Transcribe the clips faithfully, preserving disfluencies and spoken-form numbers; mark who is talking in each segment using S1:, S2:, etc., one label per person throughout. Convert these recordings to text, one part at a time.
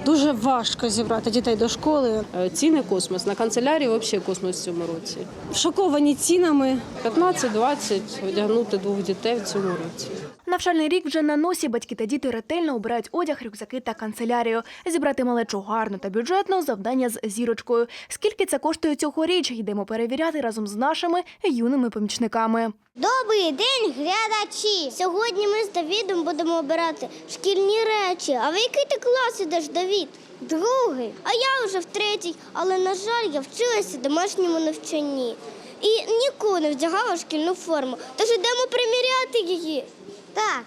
S1: Дуже важко зібрати дітей до школи.
S2: Ціни космос. На канцелярії взагалі космос в цьому році.
S1: Шоковані цінами.
S2: п'ятнадцять-двадцять одягнути двох дітей в цьому році.
S3: Навчальний рік вже на носі. Батьки та діти ретельно обирають одяг, рюкзаки та канцелярію. Зібрати малечу гарно та бюджетно – завдання з зірочкою. Скільки це коштує цьогоріч, йдемо перевіряти разом з нашими юними помічниками.
S4: Добрий день, глядачі! Сьогодні ми з Давідом будемо обирати шкільні речі. А в який ти клас ідеш, Давід? Другий. А я вже в третій. Але, на жаль, я вчилася домашньому навчанні. І ніколи не вдягала шкільну форму. Тож йдемо приміряти її. Так.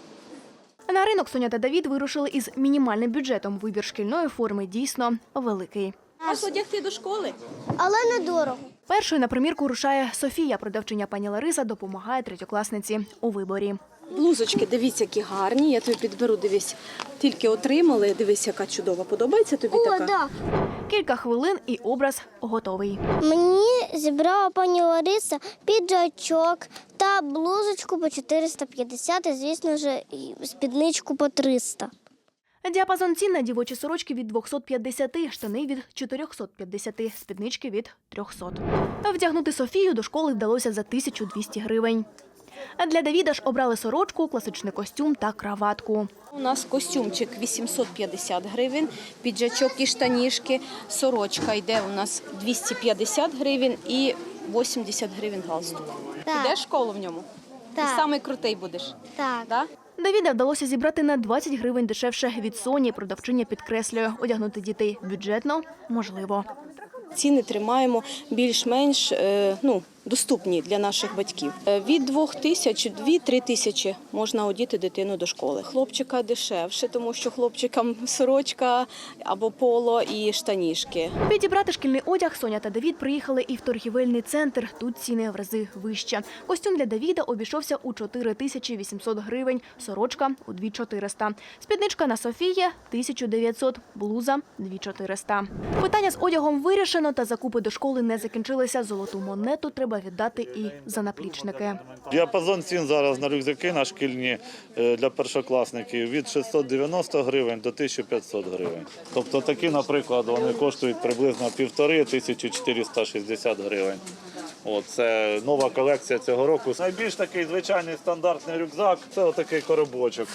S3: На ринок Соня та Давід вирушили із мінімальним бюджетом. Вибір шкільної форми дійсно великий.
S1: Вас одягти до школи?
S4: Але недорого.
S3: Першою на примірку рушає Софія. Продавчиня пані Лариса допомагає третьокласниці у виборі.
S5: Блузочки, дивіться, які гарні. Я тобі підберу, дивись. Тільки отримали, дивись, яка чудова. подобається тобі
S4: О,
S5: така?
S4: да.
S3: Кілька хвилин і образ готовий.
S4: Мені зібрала пані Лариса піджачок та блузочку по чотириста п'ятдесят і, звісно ж, і спідничку по триста.
S3: Діапазон цін на дівочі сорочки від двохсот п'ятдесяти, штани від чотирьохсот п'ятдесяти, спіднички від трьохсот. Вдягнути Софію до школи вдалося за тисячу двісті гривень. А для Давіда ж обрали сорочку, класичний костюм та краватку.
S5: У нас костюмчик вісімсот п'ятдесят гривень, піджачок і штанішки. Сорочка йде у нас двісті п'ятдесят гривень і вісімдесят гривень галстук.
S4: Так.
S5: Підеш в школу в ньому?
S4: Так.
S5: Ти самий крутий будеш?
S4: Так.
S5: Да?
S3: Давіда вдалося зібрати на двадцять гривень дешевше від Соні. Продавчиня підкреслює, одягнути дітей бюджетно можливо.
S5: Ціни тримаємо більш-менш е, ну, доступні для наших батьків. Е, Від двох тисяч, дві-три тисячі можна одіти дитину до школи. Хлопчика дешевше, тому що хлопчикам сорочка або поло і штанішки.
S3: Підібрати шкільний одяг Соня та Давід приїхали і в торгівельний центр. Тут ціни в рази вище. Костюм для Давіда обійшовся у чотири тисячі вісімсот гривень, сорочка – у дві тисячі чотириста. Спідничка на Софії – тисяча дев'ятсот, блуза – дві тисячі чотириста. Питання з одягом вирішено, та закупи до школи не закінчилися. Золоту монету треба віддати і за наплічники.
S6: Діапазон цін зараз на рюкзаки на шкільні для першокласників від шістсот дев'яносто гривень до тисяча п'ятсот гривень. Тобто такі, наприклад, вони коштують приблизно півтори тисячі чотириста шістдесят гривень. О, це нова колекція цього року. Найбільш такий звичайний стандартний рюкзак – це отакий коробочок.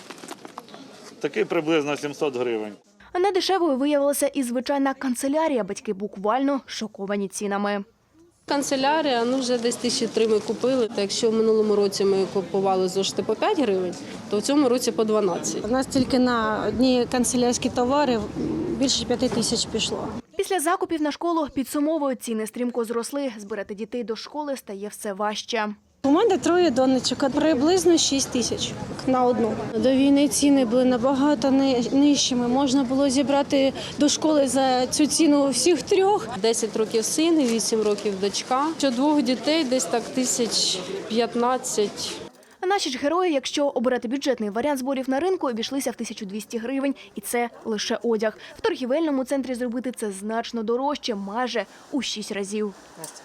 S6: Такий приблизно сімсот гривень.
S3: Недешевою виявилася і звичайна канцелярія. Батьки буквально шоковані цінами.
S2: Канцелярія, ну вже десь тисячі три ми купили. Та якщо в минулому році ми купували зошити по п'ять гривень, то в цьому році по дванадцять.
S1: У нас тільки на одні канцелярські товари більше п'яти тисяч пішло.
S3: Після закупів на школу підсумовують, ціни стрімко зросли. Збирати дітей до школи стає все важче.
S1: У мене троє донечок, приблизно шість тисяч на одну. До війни ціни були набагато нижчими. Можна було зібрати до школи за цю ціну всіх трьох.
S2: десять років син, вісім років дочка. Що двох дітей десь так тисяч п'ятнадцять.
S3: Наші ж герої, якщо обирати бюджетний варіант зборів на ринку, обійшлися в тисячу двісті гривень. І це лише одяг. В торгівельному центрі зробити це значно дорожче, майже у шість разів.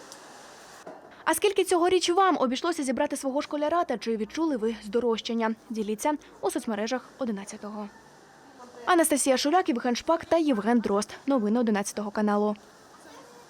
S3: А скільки цьогоріч вам обійшлося зібрати свого школяра та чи відчули ви здорожчання? Діліться у соцмережах одинадцятого. Анастасія Шуляк, Євген Шпак та Євген Дрозд. Новини одинадцятого каналу.